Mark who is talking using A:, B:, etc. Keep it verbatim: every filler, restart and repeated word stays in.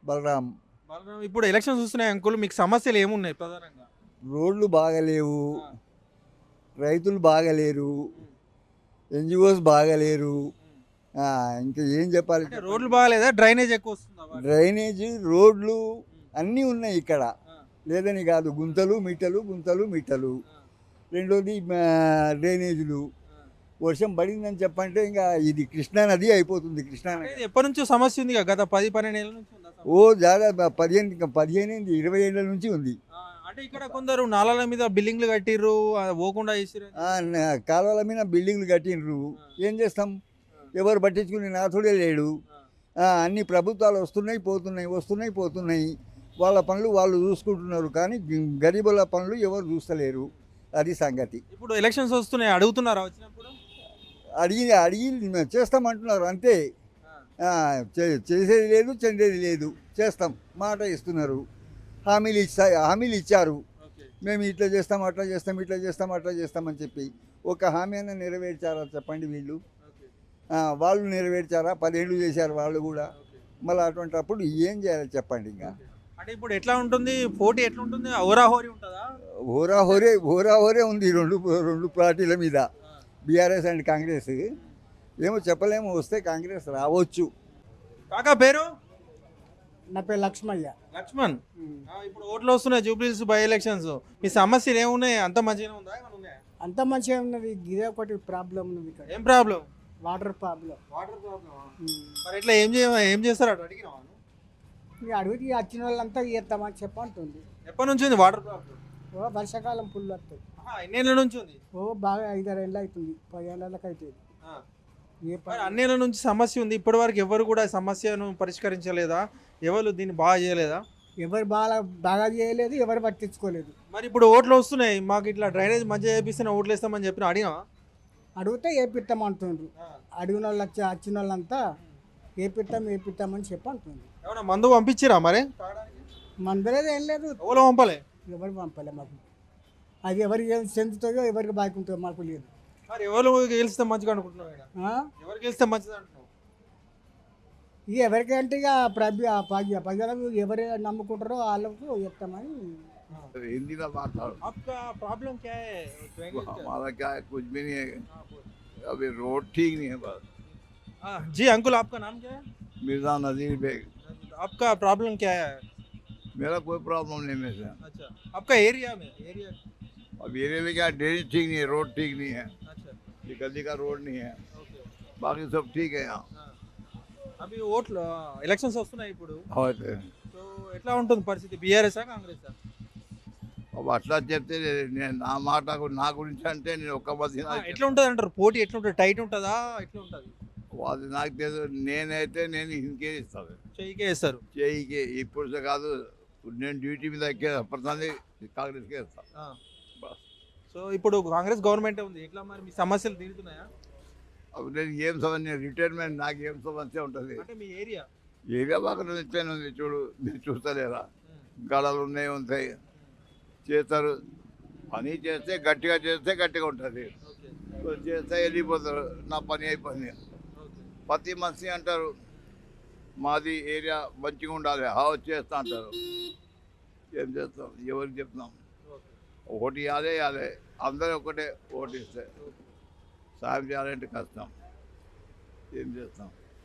A: బలరాం.
B: బలరాం, ఇప్పుడు ఎలక్షన్స్ వస్తున్నాయి అంకుల్, మీకు సమస్యలు ఏమున్నాయి ప్రధానంగా?
A: రోడ్లు బాగలేవు,
B: ఆ,
A: రైతులు బాగలేరు,
B: ఉమ్,
A: ఎన్జిఓస్ బాగలేరు.
B: ఉమ్.
A: ఆ, ఇంకా ఏం చెప్పాలి
B: అంటే
A: చెప్పండి.
B: రోడ్లు బాగాలేదా, డ్రైనేజ్ ఎక్కువ వస్తుందా వాటర్?
A: డ్రైనేజీ, రోడ్లు
B: ఉమ్,
A: అన్నీ ఉన్నాయి ఇక్కడ,
B: ఆ,
A: లేదని కాదు. గుంతలు మిట్టలు, గుంతలు మిట్టలు.
B: ఆ,
A: రెండోది ఆ, డ్రైనేజీలు.
B: ఆ.
A: వర్షం పడిందని చెప్పంటే ఇంకా ఇది కృష్ణా నది అయిపోతుంది. కృష్ణా
B: అంటే
A: నది
B: ఇది ఎప్పటి నుంచో సమస్య ఉంది కదా, గత పది పన్నెండు ఏళ్ళ నుంచి ఉందా
A: ఓ
B: సమస్య?
A: దాదాపు పదిహేను ఇంకా పదిహేను ఏంది, ఇరవై ఏళ్ళ నుంచి ఉంది.
B: ఆ, అంటే ఇక్కడ కొందరు నాలాల మీద బిల్డింగ్లు కట్టిర్రు, ఆ, పోకుండా చేసిర్రు అని
A: ఆ,
B: చెప్పి.
A: న- కాలువల మీద బిల్డింగ్లు కట్టిండ్రు.
B: ఆ,
A: ఏం చేస్తాం,
B: ఆ,
A: ఎవరు పట్టించుకునే నాథుడే లేడు.
B: ఆ,
A: ఆ, అన్ని ప్రభుత్వాలు వస్తున్నాయి పోతున్నాయి, వస్తున్నాయి పోతున్నాయి. వాళ్ళ పనులు వాళ్ళు చూసుకుంటున్నారు, కానీ గ- గరీబుల పనులు ఎవరు చూస్తలేరు. అది సంగతి.
B: ఇప్పుడు ఎలక్షన్స్ వస్తున్నాయి, అడుగుతున్నారా వచ్చినప్పుడు?
A: అడిగి అడిగి చేస్తామంటున్నారు అంతే.
B: ఆ,
A: ఆ, చే- చేసేది లేదు, చెందేది లేదు. చేస్తాం మాట ఇస్తున్నారు, హామీలు ఇచ్చా హామీలు ఇచ్చారు.
B: ఓకే.
A: మేము ఇట్లా చేస్తాం, అట్లా చేస్తాం, ఇట్లా చేస్తాం, అట్లా చేస్తామని చెప్పి ఒక హామీ అయినా నెరవేర్చారా చెప్పండి వీళ్ళు?
B: ఓకే.
A: ఆ, వాళ్ళు నెరవేర్చారా? పదేళ్ళు చేశారు వాళ్ళు కూడా.
B: ఓకే.
A: మళ్ళీ అటువంటి అప్పుడు ఏం చేయాలి చెప్పండి? ఇంకా
B: ఓకే. అంటే ఇప్పుడు ఎట్లా ఉంటుంది, పోటీ ఎట్లా ఉంటుంది, హోరాహోరీ ఉంటుందా?
A: హోరా హోరే హోరా హోరే ఉంది రెండు రెండు పార్టీల మీద,
B: ఆ,
A: బీఆర్ఎస్ అండ్ కాంగ్రెస్. ఏమో చెప్పలేము, వస్తే కాంగ్రెస్ రావచ్చు.
B: కాకా పేరు?
C: నా పేరు లక్ష్మయ్య.
B: లక్ష్మణ్. ఆ, ఇప్పుడు ఓట్లు వస్తున్నాయి, జూబ్లీస్ బై ఎలక్షన్స్. మీ సమస్యలు ఏమున్నాయి, అంత మంచిగానే ఉందా, ఏమైనా ఉన్నాయా?
C: అంత మంచిగా ఉన్నది, ఇదే ఒకటి ప్రాబ్లం ఉన్నది ఇక్కడ,
B: ఏం problem?
C: Water problem.
B: Water problem. మరి ఎట్లా ఏం చేయ ఏం చేస్తారు అటు అడిగినావా నువ్వు?
C: ఇక అడిగితే వచ్చిన వాళ్ళంతా చేస్తామని చెప్పంటుంది.
B: ఎప్పటి నుంచి ఉంది వాటర్ ప్రాబ్లం?
C: ఓ వర్షాకాలం ఫుల్ వస్తుంది.
B: ఆహా, ఎన్నేళ్ళ నుంచి ఉంది?
C: ఓ బాగా ఐదారు ఏళ్ళు అవుతుంది, పదిహేళ్ళకి అవుతుంది.
B: ఆ.
C: ఏ
B: మరి
C: పని
B: అన్నేళ్ళ నుంచి సమస్య ఉంది, ఇప్పటి వరకు ఎవరు కూడా ఈ సమస్యను పరిష్కరించలేదా? ఎవరు దీన్ని బాగా చేయలేదా?
C: ఎవరు బాగా బాగా చేయలేదు, ఎవరు పట్టించుకోలేదు.
B: మరి ఇప్పుడు ఓట్లు వస్తున్నాయి, మాకు ఇట్లా డ్రైనేజ్ మంచిగా చేపిస్తే ఓట్లు వేస్తామని చెప్పిన అడిగినా?
C: అడిగితే ఏపిస్తామంటుండ్రు. అడిగిన వాళ్ళు వచ్చి వచ్చిన వాళ్ళంతా ఏపిస్తాం ఏపిస్తామని చెప్పి అంటుంది.
B: ఏమన్నా మందు పంపించిరా మరి?
C: మందరేది ఏం లేదు,
B: ఎవరు పంపలే?
C: ఎవరు పంపలే మాకు. అది ఎవరికి ఏం చెందుతుందో ఎవరికి బాగా ఉంటుందో మాకు లేదు.
B: మరి ఎవరు గెలిస్తే మంచిగా అనుకుంటున్నావు ఈడ?
C: ఆ?
B: ఎవరు గెలిస్తే మంచిది అంటున్నావు?
C: ఇక ఎవరికంటే ఇక ప్రభు ప్రజలకు ఎవరు నమ్ముకుంటారో వాళ్ళకు చెప్తామని.
D: हिंदी में बात करो।
B: आपका प्रॉब्लम क्या है ड्रेनेज का?
D: हमारा क्या है, कुछ भी नहीं है।
B: हाँ, बोल।
D: अभी रोड ठीक नहीं है बस।
B: हाँ, जी अंकुल, आपका नाम क्या है?
D: मिर्जा नजीर बेग।
B: आपका प्रॉब्लम क्या है?
D: मेरा कोई प्रॉब्लम नहीं में से।
B: अच्छा, आपका एरिया में एरिया?
D: अब एरिया में क्या, ड्रेनेज ठीक नहीं है, रोड ठीक नहीं है,
B: अच्छा,
D: ये गली का रोड नहीं है,
B: ఓకే.
D: बाकी सब ठीक है यहाँ।
B: ఆ. అవి ఓట్లు ఎలక్షన్స్ వస్తున్నాయి ఇప్పుడు,
D: और
B: సో ఎట్లా ఉంటుంది పరిస్థితి, బీఆర్ఎస్ కాంగ్రెస్?
D: अब అట్లా చెప్తే నేను నా మాట నా గురించి అంటే నేను ఒక్క మధ్య
B: ఎట్లా ఉంటుంది అంటారు, పోటీ ఎట్లా ఉంటుంది, టైట్ ఉంటుందా, ఎట్లా ఉంటుంది?
D: అది నాకు తెలుసు. నేనైతే నేను ఇంకే ఇస్తాను,
B: చెయ్యికే వేస్తారు.
D: చేయికి. ఇప్పుడు కాదు, నేను డ్యూటీ మీద ఎక్కే ప్రధాని కాంగ్రెస్కే ఇస్తాను.
B: ఆ. సో ఇప్పుడు కాంగ్రెస్ గవర్నమెంట్ ఉంది, ఎట్లా మరి మీ సమస్యలు తీరుతున్నాయా?
D: అప్పుడు నేను ఏం సమస్య, రిటైర్మెంట్ నాకు ఏం సమస్య ఉంటుంది.
B: అంటే మీ ఏరియా?
D: ఏరియా బాగా నిత్యాన్ని ఉంది చూడు, మీరు చూస్తలేరా? గడలు ఉన్నాయి, ఉంటాయి, చేస్తారు. పని చేస్తే గట్టిగా చేస్తే గట్టిగా ఉంటుంది,
B: ఓకే.
D: సో చేస్తే వెళ్ళిపోతారు, నా పని అయిపోయింది.
B: ఓకే.
D: ప్రతి మనిషి అంటారు మాది ఏరియా మంచిగా ఉండాలి, హౌస్ చేస్తా అంటారు. ఏం చేస్తాం, ఎవరికి చెప్తాం?
B: ఓకే.
D: ఓటు ఇవ్వాలి ఇవ్వాలి, అందరూ ఒకటే ఓటు ఇస్తే సాయం చేయాలంటే కష్టం. ఏం చేస్తాం?